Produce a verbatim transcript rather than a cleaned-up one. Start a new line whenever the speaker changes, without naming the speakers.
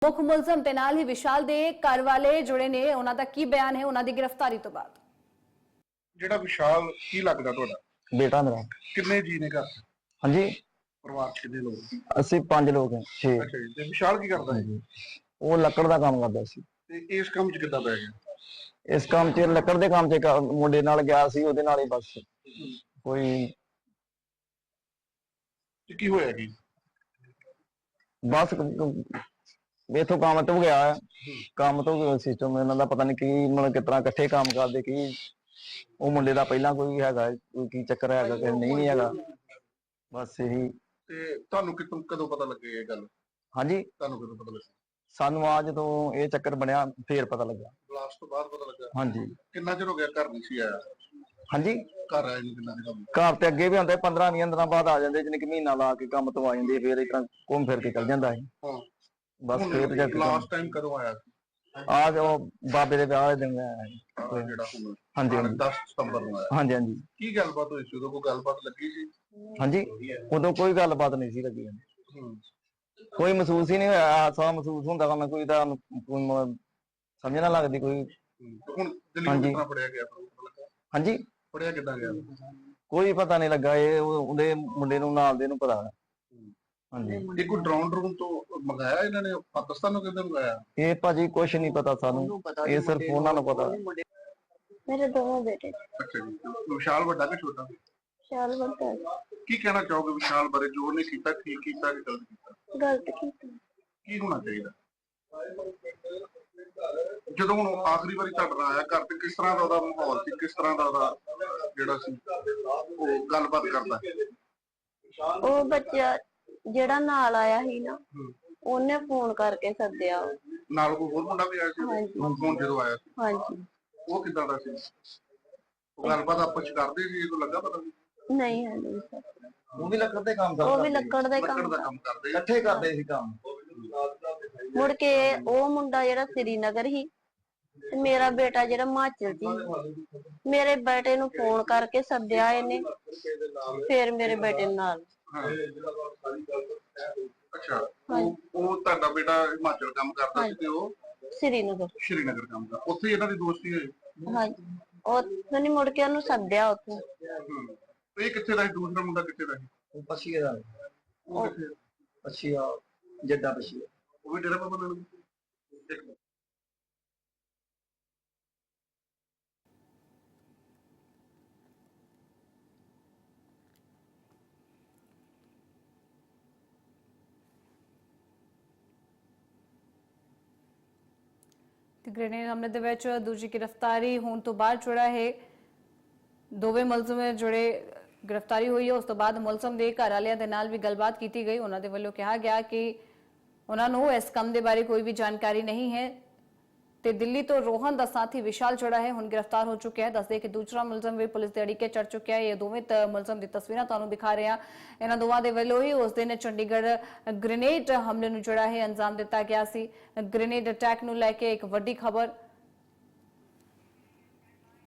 ਮੁੱਖ ਮੁਲਜ਼ਮ ਤੇ ਨਾਲ ਹੀ ਵਿਸ਼ਾਲ ਦੇ ਘਰ ਵਾਲੇ ਜੁੜੇ ਨੇ, ਉਹਨਾਂ ਦਾ ਕੀ ਬਿਆਨ ਹੈ ਉਹਨਾਂ ਦੀ ਗ੍ਰਿਫਤਾਰੀ ਤੋਂ ਬਾਅਦ।
ਜਿਹੜਾ ਵਿਸ਼ਾਲ ਕੀ ਲੱਗਦਾ ਤੁਹਾਡਾ?
बेटा मेरा।
ਕਿੰਨੇ ਜੀ ਨੇ ਘਰ ਚ?
हाँ जी,
ਪਰਿਵਾਰ ਚ ਕਿੰਨੇ ਲੋਕ?
ਅਸੀਂ ਪੰਜ ਲੋਕ हैं। छे।
ਅੱਛਾ ਜੀ। ਤੇ ਵਿਸ਼ਾਲ ਕੀ ਕਰਦਾ ਹੈ?
ਉਹ ਲੱਕੜ ਦਾ ਕੰਮ ਕਰਦਾ ਸੀ।
ਤੇ ਇਸ ਕੰਮ ਚ ਕਿੱਦਾਂ ਪੈ ਗਿਆ?
ਇਸ ਕੰਮ 'ਚ ਲੱਕੜ ਦੇ ਕੰਮ 'ਚ ਇੱਕ ਮੁੰਡੇ ਨਾਲ ਗਿਆ ਸੀ, ਉਹਦੇ ਨਾਲ ਹੀ ਬਸ ਕੋਈ
ਤੇ ਕੀ ਹੋਇਆ ਕੀ?
ਬਸ ਇਥੋਂ ਕੰਮ ਤੋਂ ਗਿਆ, ਕੰਮ ਤੋਂ ਸਿਸਟਮ ਇਹਨਾਂ ਦਾ ਪਤਾ ਨਹੀਂ ਕੀ, ਮਤਲਬ ਕਿਸ ਤਰ੍ਹਾਂ ਇਕੱਠੇ ਕੰਮ ਕਰਦੇ ਕੀ। ਉਹ ਮੁੰਡੇ ਦਾ ਪਹਿਲਾਂ ਕੋਈ ਹੈਗਾ, ਕੋਈ ਕੀ ਚੱਕਰ ਹੈਗਾ ਕਿ ਨਹੀਂ ਨਹੀਂ ਹੈਗਾ, ਬਸ ਇਹੀ।
ਤੇ ਤੁਹਾਨੂੰ ਕਿਤੋਂ ਕਦੋਂ ਪਤਾ ਲੱਗੇ ਇਹ ਗੱਲ?
ਹਾਂਜੀ,
ਤੁਹਾਨੂੰ ਕਦੋਂ ਪਤਾ ਲੱਗਾ?
ਸਾਨੂੰ ਆ ਜਦੋਂ ਇਹ ਚੱਕਰ ਬਣਿਆ ਫੇਰ ਪਤਾ ਲੱਗਾ।
ਬਲਾਸਟ ਤੋਂ ਬਾਅਦ ਪਤਾ ਲੱਗਾ?
ਹਾਂਜੀ।
ਕਿੰਨਾ ਚਿਰ ਹੋ ਗਿਆ ਘਰ ਨਹੀਂ ਸੀ ਆਇਆ?
ਹਾਂਜੀ,
ਘਰ ਆਏ ਨੂੰ ਕਿੰਨਾ ਚਿਰ?
ਘਰ ਤੇ ਅੱਗੇ ਵੀ ਆਉਂਦੇ ਪੰਦਰਾਂ ਵੀਹ ਦਿਨਾਂ ਬਾਅਦ ਆ ਜਾਂਦੇ, ਜਿੰਨੇ ਕਿ ਮਹੀਨਾ ਲਾ ਕੇ ਕੰਮ ਤੋਂ ਆ ਜਾਂਦੇ, ਫੇਰ ਇਸ ਤਰ੍ਹਾਂ ਘੁੰਮ ਫਿਰ ਕੇ ਚੱਲ ਜਾਂਦਾ ਸੀ।
ਹਾਂ।
ਬਸ ਫੇਰ ਜਾ ਕੇ
ਲਾਸਟ ਟਾਈਮ ਕਦੋਂ ਆਇਆ ਸੀ?
ਆ ਜੋ ਬਾਬੇ ਦੇ ਵਿਆਹ ਦੇ ਦਿਨ ਆਇਆ ਸੀ।
ਆਹ ਜਿਹੜਾ ਹੁਣ
ਹਾਂਜੀ ਹਾਂਜੀ
ਦਸ ਸਤੰਬਰ ਨੂੰ ਆਇਆ।
ਹਾਂਜੀ ਹਾਂਜੀ
ਕੀ ਗੱਲਬਾਤ ਹੋਈ ਸੀ ਉਦੋਂ? ਕੋਈ ਗੱਲਬਾਤ ਲੱਗੀ ਸੀ?
ਹਾਂਜੀ, ਉਦੋਂ ਕੋਈ ਗੱਲਬਾਤ ਨਹੀਂ ਸੀ ਲੱਗੀ।
ਹੂੰ।
ਕੋਈ ਮਹਿਸੂਸ ਹੀ ਨਹੀਂ ਹੋਇਆ, ਹਾਸਾ ਮਹਿਸੂਸ ਹੁੰਦਾ ਵਾ, ਕੋਈ ਤਾਂ ਕੋਈ ਮ- ਸਮਝ ਨਾ ਲੱਗਦੀ ਕੋਈ।
ਤੇ ਹੁਣ ਦਿੱਲੀ
ਹਾਂਜੀ।
ਕਿੱਦਾਂ ਫੜਿਆ ਗਿਆ? ਪਤਾ ਲੱਗਾ?
ਹਾਂਜੀ,
ਫੜਿਆ ਕਿੱਦਾਂ ਗਿਆ?
ਕੋਈ ਪਤਾ ਨਹੀਂ ਲੱਗਾ, ਇਹ ਉਹ- ਉਹਦੇ ਮੁੰਡੇ ਨੂੰ ਨਾਲ ਦੇ ਨੂੰ ਪਤਾ। ਹਾਂਜੀ,
ਇਹ ਕੋਈ ਡਰਾਉਨ ਡਰੂਨ ਤੋਂ ਮੰਗਾਇਆ ਇਹਨਾਂ ਨੇ? ਪਾਕਿਸਤਾਨ ਨੂੰ ਕਿੱਦਾਂ ਮੰਗਾਇਆ?
ਇਹ ਭਾਜੀ ਕੁਛ ਨਹੀਂ ਪਤਾ ਸਾਨੂੰ, ਇਹ ਸਿਰਫ ਉਹਨਾਂ ਨੂੰ ਪਤਾ।
मेरे दोनों बेटे।
ਅੱਛਾ ਜੀ। ਵਿਸ਼ਾਲ ਵੱਡਾ ਕਿ ਛੋਟਾ?
विशाल बड़ा है।
ਕੀ ਕਹਿਣਾ ਚਾਹੋਗੇ ਵਿਸ਼ਾਲ ਬਾਰੇ? ਜੋ ਉਹਨੇ ਕੀਤਾ ਠੀਕ ਕੀਤਾ ਕਿ ਗਲਤ ਕੀਤਾ?
गलत की।
ਕੀ ਹੋਣਾ ਚਾਹੀਦਾ? ਜਦੋਂ ਹੁਣ ਉਹ ਆਖਰੀ ਵਾਰੀ ਤੁਹਾਡੇ ਨਾਲ ਆਇਆ ਘਰ ਤੇ, ਕਿਸ ਤਰ੍ਹਾਂ ਦਾ ਉਹਦਾ ਮਾਹੌਲ ਸੀ? ਕਿਸ ਤਰ੍ਹਾਂ ਦਾ ਉਹਦਾ ਜਿਹੜਾ ਸੀ ਉਹ ਗੱਲਬਾਤ ਕਰਦਾ?
ਉਹ ਬੱਚਾ ਜਿਹੜਾ ਨਾਲ ਆਇਆ ਸੀ ਨਾ, ਉਹਨੇ ਫੋਨ ਕਰਕੇ ਸੱਦਿਆ।
ਨਾਲ ਕੋਈ ਹੋਰ ਮੁੰਡਾ ਵੀ ਆਇਆ ਸੀ?
ਹਾਂਜੀ।
ਹੁਣ ਜਦੋਂ ਆਇਆ ਸੀ
ਹਾਂਜੀ।
ਉਹ ਕਿੱਦਾਂ ਦਾ ਸੀ? ਉਹ ਗੱਲਬਾਤ ਆਪਸ ਚ ਕਰਦੇ ਸੀ? ਇਹਨੂੰ ਲੱਗਾ ਪਤਾ?
ਨਹੀਂ ਹੈ ਨਹੀਂ ਸਰ।
ਉਹ ਵੀ ਲੱਕੜ ਦੇ ਕੰਮ
ਉਹ ਵੀ ਲੱਕੜ ਦਾ ਹੀ
ਲੱਕੜ
ਕੰਮ
ਦਾ ਕੰਮ ਕਰਦੇ ਸੀ?
ਇਕੱਠੇ ਕਰਦੇ ਸੀ ਕੰਮ।
ਮੁੜ ਕੇ ਉਹ ਮੁੰਡਾ ਜਿਹੜਾ ਸ੍ਰੀਨਗਰ ਸੀ ਤੇ ਮੇਰਾ ਬੇਟਾ ਜਿਹੜਾ ਹਿਮਾਚਲ ਸੀ, ਮੇਰੇ ਬੇਟੇ ਨੂੰ ਫੋਨ ਕਰਕੇ ਸੱਦਿਆ ਇਹਨੇ, ਫਿਰ ਮੇਰੇ ਬੇਟੇ ਨਾਲ।
ਹਾਂ। ਅੱਛਾ। ਉਹ ਉਹ ਤੁਹਾਡਾ ਬੇਟਾ ਹਿਮਾਚਲ ਕੰਮ ਕਰਦਾ ਸੀ ਤੇ ਉਹ
ਸ੍ਰੀਨਗਰ।
ਸ਼੍ਰੀਨਗਰ ਕੰਮ ਕਰਦਾ। ਉੱਥੇ ਹੀ ਇਹਨਾਂ ਦੀ ਦੋਸਤੀ ਹੋਈ?
ਹਾਂਜੀ। ਉਹ ਨਹੀਂ, ਮੁੜ ਕੇ ਉਹਨੂੰ ਸੱਦਿਆ ਉੱਥੇ।
ਹੂੰ। ਇਹ ਕਿੱਥੇ ਦਾ ਸੀ? ਦੂਸਰਾ ਮੁੰਡਾ ਕਿੱਥੇ ਦਾ ਸੀ?
ਉਹ ਪਛੀਏ ਦਾ,
ਉਹ ਕਿੱਥੇ?
ਪਛੀਆ ਜੱਡਾ ਪਛੀਆ।
ਉਹ ਵੀ ਡੇਰਾ ਬਾਬਾ ਨਾਨਕ? ਇੱਕ ਮਿੰਟ।
ਗ੍ਰੇਨੇਡ ਹਮਲੇ ਦੇ ਵਿੱਚ ਦੂਜੀ ਗ੍ਰਿਫਤਾਰੀ ਹੋਣ ਤੋਂ ਬਾਅਦ ਜਿਹੜਾ ਹੈ ਦੋਵੇਂ ਮੁਲਜ਼ਮ ਜਿਹੜੇ ਗ੍ਰਿਫਤਾਰੀ ਹੋਈ ਹੈ, ਉਸ ਤੋਂ ਬਾਅਦ ਮੁਲਜ਼ਮ ਦੇ ਘਰ ਵਾਲਿਆਂ ਦੇ ਨਾਲ ਵੀ ਗੱਲਬਾਤ ਕੀਤੀ ਗਈ। ਉਹਨਾਂ ਦੇ ਵੱਲੋਂ ਕਿਹਾ ਗਿਆ ਕਿ ਉਹਨਾਂ ਨੂੰ ਇਸ ਕੰਮ ਦੇ ਬਾਰੇ ਕੋਈ ਵੀ ਜਾਣਕਾਰੀ ਨਹੀਂ ਹੈ ਤੇ ਦਿੱਲੀ ਤੋਂ ਰੋਹਨ ਦਾ ਸਾਥੀ ਵਿਸ਼ਾਲ ਜਿਹੜਾ ਹੈ ਹੁਣ ਗ੍ਰਿਫਤਾਰ ਹੋ ਚੁੱਕਿਆ ਹੈ। ਦੱਸਦੇ ਕਿ ਦੂਸਰਾ ਮੁਲਜ਼ਮ ਵੀ ਪੁਲਿਸ ਦੇ ਅੜਿੱਕੇ ਚੜ ਚੁੱਕਿਆ ਹੈ। ਇਹ ਦੋਵੇਂ ਮੁਲਜ਼ਮ ਦੀ ਤਸਵੀਰਾਂ ਤੁਹਾਨੂੰ ਦਿਖਾ ਰਹੇ ਹਾਂ। ਇਹਨਾਂ ਦੋਵਾਂ ਦੇ ਵੱਲੋਂ ਹੀ ਉਸ ਦਿਨ ਚੰਡੀਗੜ੍ਹ ਗ੍ਰੇਨੇਡ ਹਮਲੇ ਨੂੰ ਜਿਹੜਾ ਹੈ ਅੰਜਾਮ ਦਿੱਤਾ ਗਿਆ ਸੀ। ਗ੍ਰੇਨੇਡ ਅਟੈਕ ਨੂੰ ਲੈ ਕੇ ਇੱਕ ਵੱਡੀ ਖਬਰ